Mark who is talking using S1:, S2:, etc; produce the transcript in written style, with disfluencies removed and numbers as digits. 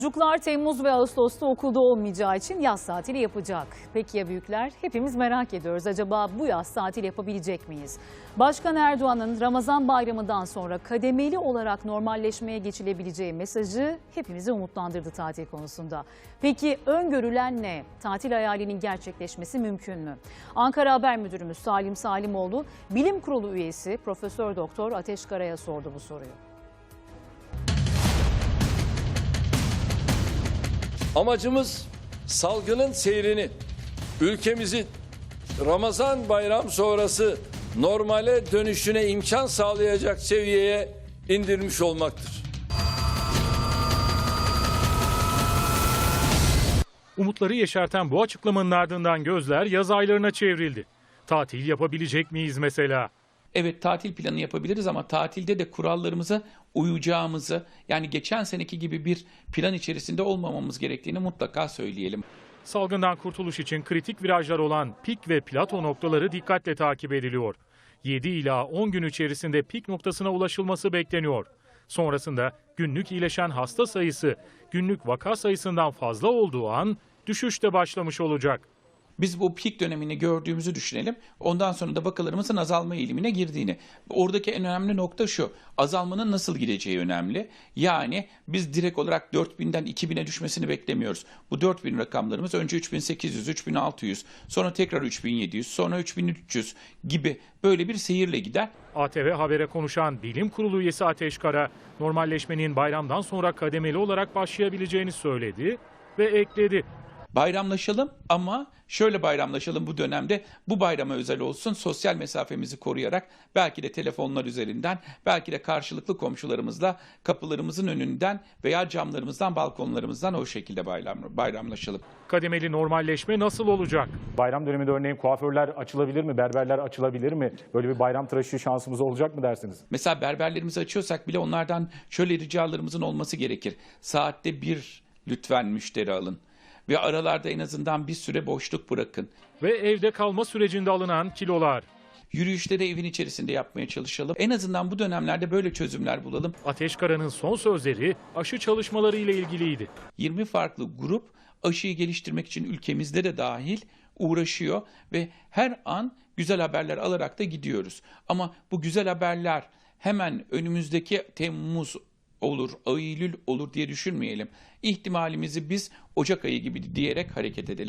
S1: Çocuklar Temmuz ve Ağustos'ta okulda olmayacağı için yaz tatili yapacak. Peki ya büyükler? Hepimiz merak ediyoruz. Acaba bu yaz tatil yapabilecek miyiz? Başkan Erdoğan'ın Ramazan bayramından sonra kademeli olarak normalleşmeye geçilebileceği mesajı hepimizi umutlandırdı tatil konusunda. Peki öngörülen ne? Tatil hayalinin gerçekleşmesi mümkün mü? Ankara Haber Müdürümüz Salim Salimoğlu, Bilim Kurulu üyesi Profesör Doktor Ateş Kara'ya sordu bu soruyu.
S2: Amacımız salgının seyrini, ülkemizin Ramazan bayram sonrası normale dönüşüne imkan sağlayacak seviyeye indirmiş olmaktır.
S3: Umutları yeşerten bu açıklamanın ardından gözler yaz aylarına çevrildi. Tatil yapabilecek miyiz mesela?
S4: Evet, tatil planı yapabiliriz ama tatilde de kurallarımıza uyacağımızı, yani geçen seneki gibi bir plan içerisinde olmamamız gerektiğini mutlaka söyleyelim.
S3: Salgından kurtuluş için kritik virajlar olan pik ve plato noktaları dikkatle takip ediliyor. 7 ila 10 gün içerisinde pik noktasına ulaşılması bekleniyor. Sonrasında günlük iyileşen hasta sayısı günlük vaka sayısından fazla olduğu an düşüş de başlamış olacak.
S4: Biz bu pik dönemini gördüğümüzü düşünelim. Ondan sonra da vakalarımızın azalma eğilimine girdiğini. Oradaki en önemli nokta şu: azalmanın nasıl gideceği önemli. Yani biz direkt olarak 4000'den 2000'e düşmesini beklemiyoruz. Bu 4000 rakamlarımız önce 3800, 3600, sonra tekrar 3700, sonra 3300 gibi böyle bir seyirle gider.
S3: ATV Haber'e konuşan Bilim Kurulu üyesi Ateş Kara, normalleşmenin bayramdan sonra kademeli olarak başlayabileceğini söyledi ve ekledi.
S4: Bayramlaşalım ama şöyle bayramlaşalım bu dönemde. Bu bayrama özel olsun, sosyal mesafemizi koruyarak, belki de telefonlar üzerinden, belki de karşılıklı komşularımızla kapılarımızın önünden veya camlarımızdan, balkonlarımızdan o şekilde bayramlaşalım.
S3: Kademeli normalleşme nasıl olacak?
S5: Bayram döneminde örneğin kuaförler açılabilir mi? Berberler açılabilir mi? Böyle bir bayram tıraşı şansımız olacak mı dersiniz?
S4: Mesela berberlerimizi açıyorsak bile onlardan şöyle ricalarımızın olması gerekir. Saatte bir lütfen müşteri alın. Ve aralarda en azından bir süre boşluk bırakın.
S3: Ve evde kalma sürecinde alınan kilolar.
S4: Yürüyüşleri evin içerisinde yapmaya çalışalım. En azından bu dönemlerde böyle çözümler bulalım.
S3: Ateş Kara'nın son sözleri aşı çalışmaları ile ilgiliydi.
S4: 20 farklı grup aşıyı geliştirmek için ülkemizde de dahil uğraşıyor ve her an güzel haberler alarak da gidiyoruz. Ama bu güzel haberler hemen önümüzdeki Temmuz olur, Eylül olur diye düşünmeyelim. İhtimalimizi biz Ocak ayı gibi diyerek hareket edelim.